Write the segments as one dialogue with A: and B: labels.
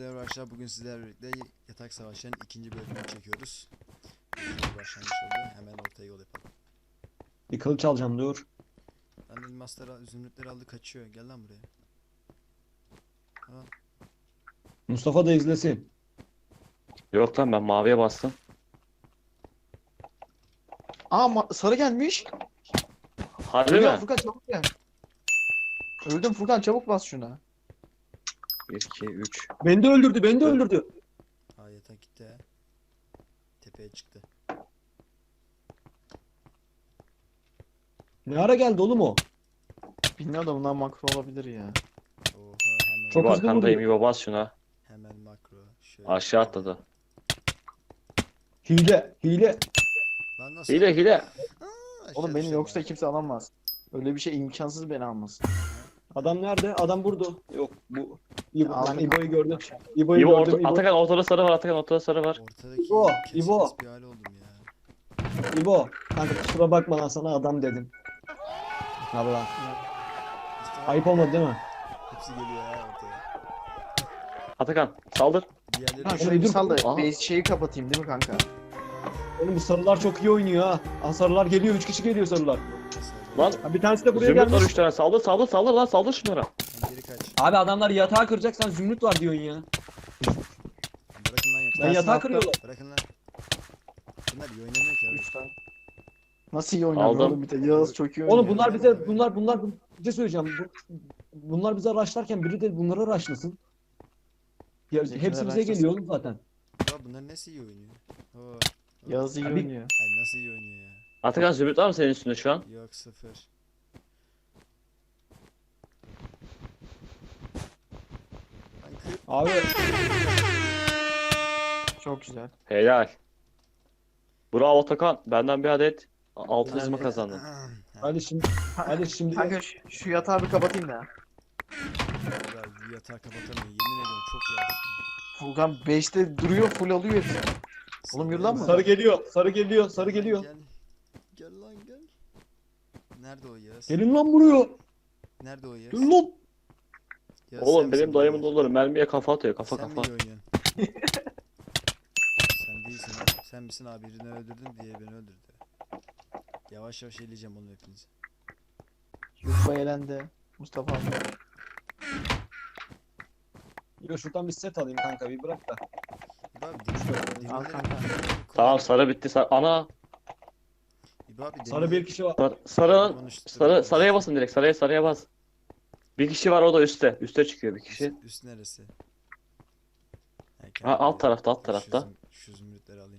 A: Hepinize merhaba arkadaşlar. Bugün sizlerle birlikte Yatak Savaşı'nın ikinci bölümünü çekiyoruz. Güzel bir başlangıç oldu. Hemen ortaya yol yapalım.
B: Bir kılıç alacağım dur.
A: Lan elmasları, zümrütleri aldı kaçıyor. Gel lan buraya. Al.
B: Mustafa da izlesin.
C: Yok lan ben maviye bastım.
D: Aa sarı gelmiş.
C: Harbi
D: Ölüyorum
C: mi?
D: Furkan çabuk gel. Öldüm Furkan çabuk bas şuna.
C: 1, 2, 3.
B: Beni de öldürdü, beni de öldürdü.
A: Aa, yatak gitti ha. Tepeye çıktı.
B: Ne ara geldi oğlum o?
D: Bilmiyorum da bunlar makro olabilir ya.
A: Oha hemen.
B: Çok
C: İbo
B: hızlı
C: arkandayım,
B: vuruyor.
C: İbo bas şuna.
A: Hemen makro. Şöyle.
C: Aşağı atladı.
B: Hile, hile.
A: Lan nasıl?
C: Hile hile.
A: Aa, aşağı
D: Oğlum beni
A: düştüm
D: yoksa
A: ya.
D: kimse alamaz. Öyle bir şey imkansız beni almasın.
B: Adam nerede? Adam burada. Yok bu. İbo,
D: Ya,
B: ben İbo'yu gördüm. İbo'yu
C: İbo
B: gördüm. İbo.
C: Atakan ortada sarı var, Atakan ortada sarı var.
A: Ortadaki
B: İbo,
A: kes
B: İbo.
A: kes bir hale oldum ya.
B: İbo. Kanka kusura bakma lan sana adam dedim. Allah.
A: Mustafa,
B: Ayıp olmadı değil mi?
A: hepsi geliyor ya ortaya.
C: Atakan saldır.
A: Diğerleri
D: Ha
A: de
D: şöyle bir
B: dur.
D: sal da
C: Aha.
D: base şeyi kapatayım değil mi kanka?
B: Oğlum bu sarılar çok iyi oynuyor ha. Aa, sarılar geliyor. 3 kişi geliyor sarılar.
C: Lan
B: Ha, bir tanesi de buraya
C: zümrüt var
B: gelmiş.
C: 3 tane. Saldır saldır saldır lan, saldır şunlara.
A: Sen geri kaç.
B: Abi adamlar yatağı kıracak, sen zümrüt var diyorsun ya.
A: Bırakın lan yatağı.
B: Ben yatağı
D: attım.
B: kırıyorlar.
A: Bırakın lan. Bunlar iyi oynamıyor ki abi.
D: 3 tane. Nasıl iyi oynuyor
C: Aldım.
D: oğlum bir de Yağız çok iyi oynuyor.
B: Oğlum bunlar bize bir şey söyleyeceğim. Bunlar bize rushlarken biri de bunlara rushlasın. Ya,
D: Bizimkiler
B: hepsi bize
D: rushlasın.
B: geliyor oğlum zaten.
A: Ya bunlar nasıl iyi oynuyor? Oo.
D: Yağız iyi
B: Abi-
D: oynuyor.
A: Ay nasıl iyi oynuyor ya?
C: Atakan zümrüt var mı senin üstünde şu an?
A: Yok sıfır. Lan kır.
B: Abi
D: Çok güzel.
C: Helal. Bravo Atakan. Benden bir adet altın izma kazandın.
B: hadi şimdi
D: Kanka şu yatağı bir kapatayım da.
A: Ya yatağı kapatamıyor. Yemin ediyorum çok yavaş.
D: Furkan 5'te duruyor full alıyor hepsini. Oğlum yürü lan bu.
B: sarı geliyor, sarı geliyor, sarı geliyor.
A: Gel. Gel lan gel. Nerede o Yağız?
B: Gelin lan buraya.
A: Nerede o Yağız?
B: Gelin lan.
A: Yağız, sen
C: Oğlum
A: misin
C: benim
A: bu
C: dayımın
A: Yağız?
C: doları mermiye kafa atıyor, kafa
A: Sen mi
C: kafa.
A: iyi oynuyorsun? Sen değilsin. Sen misin abi, birini öldürdün diye beni öldürdü. Yavaş yavaş eleyeceğim onu hepinizi.
D: Yusuf elendi. Mustafa abi.
B: Yo şuradan bir set alayım kanka, bir bırak da.
A: İbo abi demirleri
D: Al kanka.
C: Tamam sarı bitti. Ana.
A: İbo abi
B: Sarı bir kişi var.
C: Sarının sarıya basın direkt. Sarıya bas. Bir kişi var, o da üstte. Üste çıkıyor bir kişi.
A: Üst neresi?
C: Ha, alt tarafta, alt
A: Dur,
C: tarafta.
A: Şu zümrütleri alayım.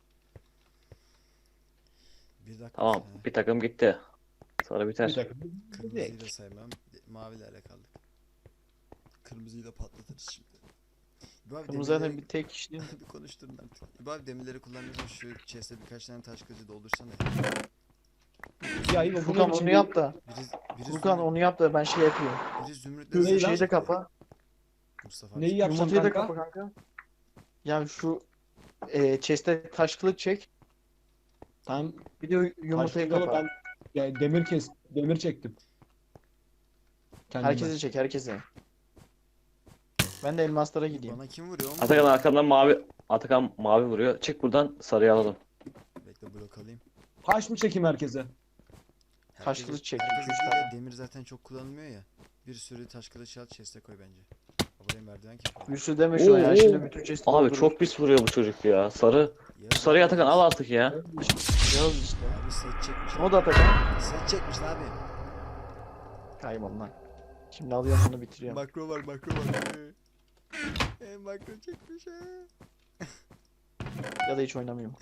A: Bir dakika.
C: Tamam,
A: Ha,
C: bir takım gitti. Sarı
B: Bir
C: biter.
B: dakika.
A: kırmızıyı da saymam. Mavilerle kaldık. Kırmızıyı da patlatırız şimdi. İbo abi
D: Kırmızı zaten
A: demirleri-
D: bir tek kişi değil mi?
A: bir konuşturun artık. İbo abi demirleri kullanıyorsan şu chest'e birkaç tane taş kılıcı doldursana.
B: Ya iyi,
D: Furkan onu yap da.
A: Biri
D: Furkan onu yap da ben şey yapıyorum.
A: Biri zümrütleri
B: Neyi
D: Şu
B: lan?
D: şeyi de kapa.
A: Mustafa
B: Neyi yapacağım
D: Yumurtayı da
B: kanka?
D: kapa kanka. Ya şu chest'e taş kılıç çek.
B: Tamam.
D: Bir de yumurtayı
B: Taşlı
D: kapa.
B: Ben ya, demir çektim. Kendime.
D: Herkese çek herkese. Ben de elmaslara gideyim.
A: Bana kim vuruyor? O mu?
C: Atakan arkandan mavi. Atakan mavi vuruyor. Çık buradan, sarıyı alalım.
A: Bekle blok alayım.
B: Taş mı çekeyim herkese?
D: Taş kılıç çek,
A: herkes
D: iki, üç
A: değil de
D: tane.
A: demir zaten çok kullanılmıyor ya. Bir sürü taş kılıç al chest'e koy bence. Buraya merdiven ki.
D: Bir sürü deme şu an ya. Şimdi
B: Oo.
D: bütün chest'i
C: Abi
D: doldurur.
C: çok pis vuruyor bu çocuk ya. Sarı.
A: Yağız
C: Şu sarıyı Atakan al artık ya.
D: Yağız işte.
A: Abi set çekmiş.
D: O da Atakan.
A: Set çekmiş lan abi.
D: Kaybol lan. Şimdi alıyorum bunu bitiriyorum.
A: Makro var makro var. Makro çekmiş ha.
D: Ya da hiç oynamıyorum.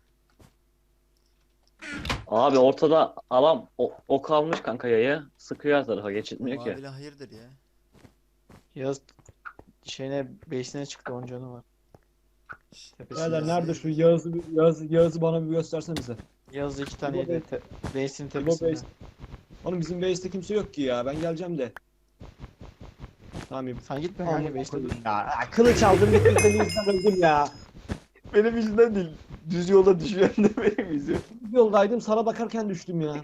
C: Abi ortada alan o kalmış kanka yayı. Sıkıyor her tarafa, geçitmiyor ki.
A: Mavili hayırdır ya.
D: Yağız şeyine base'ine çıktı 10 canı var. Tepesinde.
B: Beyler nerede şu Yağız'ı bana bir göstersene bize.
D: Yağız 2 tane
B: İbo
D: yedi. Base'in
B: İbo
D: tepesinde.
B: base. Oğlum bizim base'te kimse yok ki ya. Ben geleceğim de. Tamam İbo.
D: Sen gitme kanka base'te dur.
B: Ya kılıç aldım gitti, seni yüzünden öldüm ya.
D: Benim yüzümden değil. Düz yolda düşüren de benim yüzüm.
B: Yoldaydım, sana bakarken düştüm ya.
A: Ya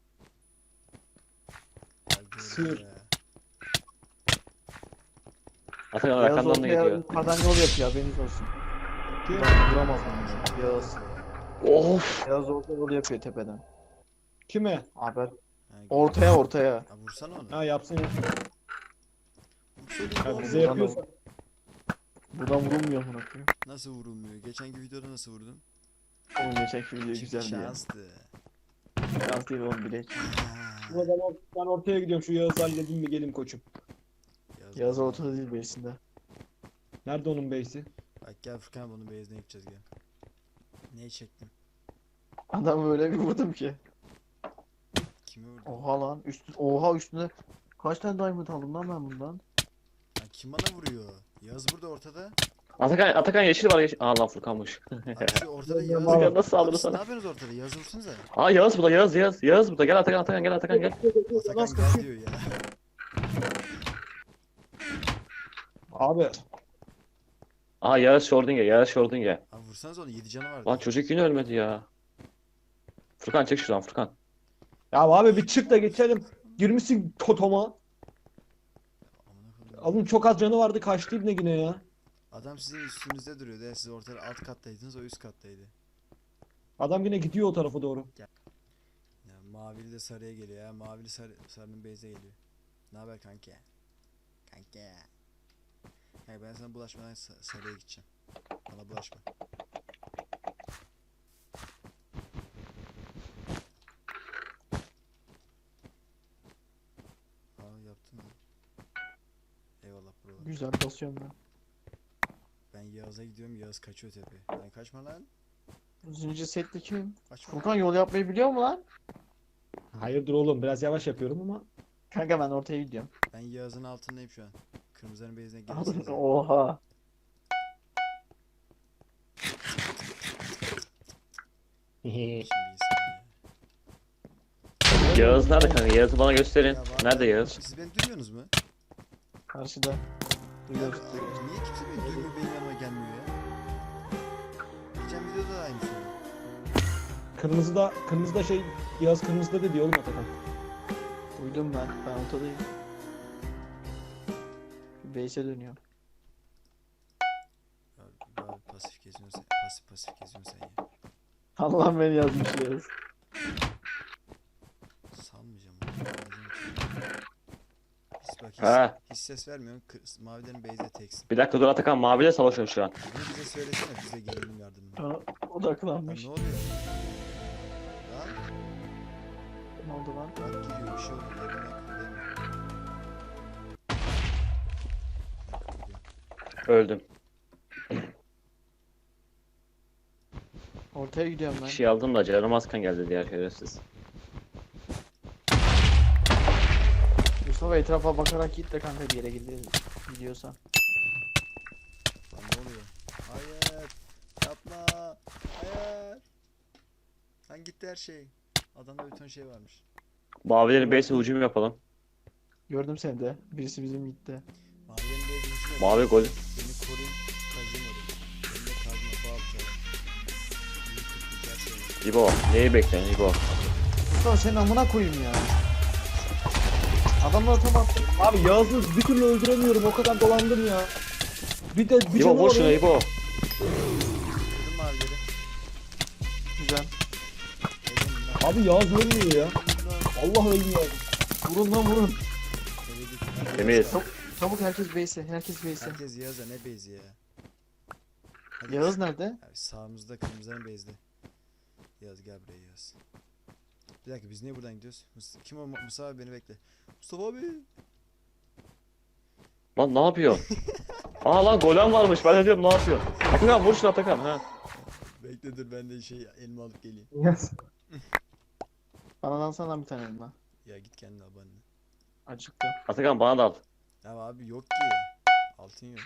A: gördüm
B: Sığır.
A: ya.
C: Atakan
D: Yağız
C: arkandan da
D: ortaya
C: gidiyor.
D: yukarıdan yol yapıyor haberiniz olsun.
B: Kim?
D: Vuramaz onu. Yağız.
C: Of.
D: Yağız ortaya yol yapıyor tepeden.
B: Kime?
D: Haber.
A: Ha,
D: Ortaya.
A: ha, vursana onu.
B: Ha yapsın ya.
A: Vursana
B: Ya
A: oğlum.
B: bize
D: Buradan
B: yapıyorsa.
D: Buradan vurulmuyor bunu.
A: Nasıl vurulmuyor? Geçenki videoda nasıl vurdun?
D: Oğlum geçenki video
A: Çünkü
D: güzeldi ya.
A: şanstı.
D: Şans değil oğlum bilek.
A: Ha,
B: O zaman ben ortaya gidiyorum. Şu Yağız'ı halledeyim mi gelin koçum.
D: Yağız ortada değil birisinde.
B: Nerede onun base'i?
A: Bak gel Furkan bunu base'den yapacağız gel. Neyi çektim?
D: Adam öyle bir vurdum ki.
A: Kimi vurdun?
D: Oha lan. Oha üstünde. Kaç tane diamond aldım lan ben bundan?
A: Ha, kim bana vuruyor? Yağız burada ortada.
C: Atakan yeşil var yeşil. Aa lan Furkan'mış.
A: Abi şu ortada Yağız.
C: Atakan nasıl
A: Abi
C: saldırdı
A: siz ne
C: sana?
A: yapıyorsunuz ortada? Yağız vursanıza.
C: Aa Yağız burada Yağız burada. Gel Atakan gel Atakan gel.
A: Atakan gel diyor ya.
B: Abi
C: Aa Yağız Schrödinger.
A: Abi vursanız onu 7 canı vardı.
C: Lan çocuk yine ölmedi ya. Furkan çek şuradan Furkan.
B: ya abi bir çık da geçelim. Girmişsin totoma.
A: Amına koyayım.
B: Alın çok az canı vardı kaçtı ibne yine ya.
A: Adam sizin üstünüzde duruyordu ya. Siz ortada alt kattaydınız, o üst kattaydı.
B: Adam yine gidiyor o tarafa doğru.
A: Ya mavili de sarıya geliyor ya. Mavili sarının base'e geliyor. Ne haber kanka? Kanka. Hayır ben sana bulaşmadan sarıya gideceğim. Bana bulaşma. Aa yaptın mı? Eyvallah buralar.
D: Güzel basıyorum ben.
A: Ben Yağız'a gidiyorum. Yağız kaçıyor tepeye. Ben kaçma lan.
D: Zincir setli kim?
A: Kaçma.
D: Furkan yol yapmayı biliyor mu lan?
B: Hayırdır oğlum biraz yavaş yapıyorum ama.
D: Kanka ben ortaya gidiyorum.
A: Ben Yağız'ın altındayım şu an. Kırmızıların base'ine gelirsiniz.
D: Oha.
A: Şimdi iyisin
C: Yağız nerede kanka? Yağız'ı bana gösterin.
A: ya. Ya var
C: Nerede
A: ya.
C: Yağız?
A: Siz beni duymuyorsunuz mu?
D: Karşıda.
A: Ya,
D: Duyuyoruz.
A: niye kimse beni duymuyor, benim yanıma gelmiyor ya? Geçen videoda da aynısı oldu.
B: Kırmızıda şey Yağız kırmızıda dedi oğlum Atakan.
D: Duydum ben. Ben ortadayım. Base'e dönüyorum.
A: Abi pasif geziyorsun sen. Pasif geziyorsun sen ya.
D: Allah beni yazmış Yağız.
A: Salmayacağım onu. Hiç bak
C: Ha.
A: hiç ses vermiyorsun. Mavilerin base'de teksin.
C: Bir dakika dur Atakan maviyle savaşıyorum şu an.
A: Bunu bize söylesene, bize gelelim yardımına.
D: Bana
A: Lan
D: odaklanmış.
A: ne oluyor? Lan
D: Ne oldu lan?
A: bak geliyor, bir şey oldu. Yerine kıpırdayamıyor.
C: Öldüm.
D: Ortaya gidiyorum
C: Bir
D: ben.
C: şey aldım da canım azkan geldi diğer şerefsiz.
D: Mustafa etrafa bakarak git de kanka bir yere gidiyorsan.
A: Lan ne oluyor? Hayır. Yapma. Hayır. Lan gitti her şey. Adamda bir ton şey varmış.
C: Mavilerin base'e hücum yapalım.
D: Gördüm seni de. Birisi bizim gitti.
A: Mavilerin base'de hiç yok.
C: Mavi gol.
A: Beni koruyun. Kazıyım orayı. Elimde kazma, balta. Büyük kırpıcı her şey var.
C: İbo. Neyi bekliyorsun İbo?
D: Mustafa senin amına koyayım ya. Adamlar tam attı.
B: Abi Yağız'ı bir türlü öldüremiyorum o kadar dolandım ya. Bir
C: İbo
B: canı
C: vur
B: var
C: şunu
B: onun.
C: İbo.
A: Kırdım mavileri.
D: Güzel.
A: Elim lan.
B: Abi Yağız ölmüyor ya.
A: Elim lan.
B: Allah ölmüyor.
D: Vurun lan vurun.
A: Eve git.
C: Temiz.
D: Çabuk herkes base'e. Herkes base'e.
A: Herkes Yağız'a ne base'i ya. Hadi.
D: Yağız nerede?
A: Abi sağımızda kırmızıların base'de. Yağız gel buraya Yağız. Bir dakika biz niye buradan gidiyoruz? Kim o? Mustafa abi beni bekle. Mustafa abi.
C: Lan ne yapıyorsun? Aa lan golem varmış. Ben de diyorum ne yapıyorsun? Atakan vur şunu Atakan. Ha.
A: Bekle dur ben de şey elma alıp geleyim.
B: Yağız.
D: Bana lansana lan bir tane elma.
A: Ya git kendine al bana.
D: Acıktım.
C: Atakan bana da al.
A: Ya abi yok ki. Altın yok.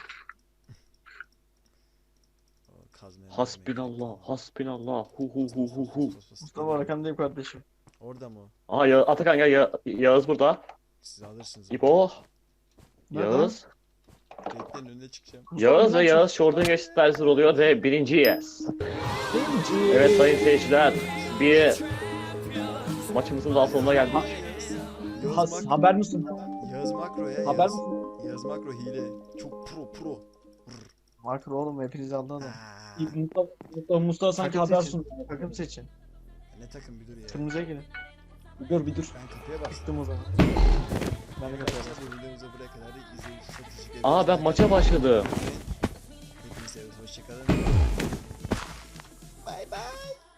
A: O kazmaya
C: Hasbinallah. Hasbinallah. Hu hu hu hu hu.
D: Mustafa arkandayım kardeşim.
A: Orada mı o?
C: Aa Atakan gel Yağız burada.
A: Siz alırsınız.
C: İbo.
D: Nereden?
C: Yağız.
A: Bekleyin önüne çıkacağım.
C: Yağız ve Yağız Schrödinger eşitlersiz oluyor ve birinciyiz. Evet sayın seyirciler. Bir maçımızın daha sonuna geldik.
A: Yağız
B: Has,
A: bak.
B: haber misin?
A: Yağız Yağız makro ya
B: Haber
A: Yağız.
B: misin?
A: Yağız makro hile. Çok pro.
D: Makro oğlum hepiniz aldı adam.
A: Aa,
B: Mustafa sanki
D: Takım
B: haber
D: seçin.
B: sundu.
D: Takım seçin.
A: ne takım bir dur ya.
D: Kırmızıya girin.
B: Bir dur.
A: Ben kapıya bastım.
D: Çıktım o zaman. Ben de kapatıyorum.
A: Arkadaşlar bu videomuza buraya kadar izlediğiniz için çok teşekkür ederim.
C: Aa ben maça başladım.
A: Hepinize seviyoruz. Hoşçakalın. Bay bay.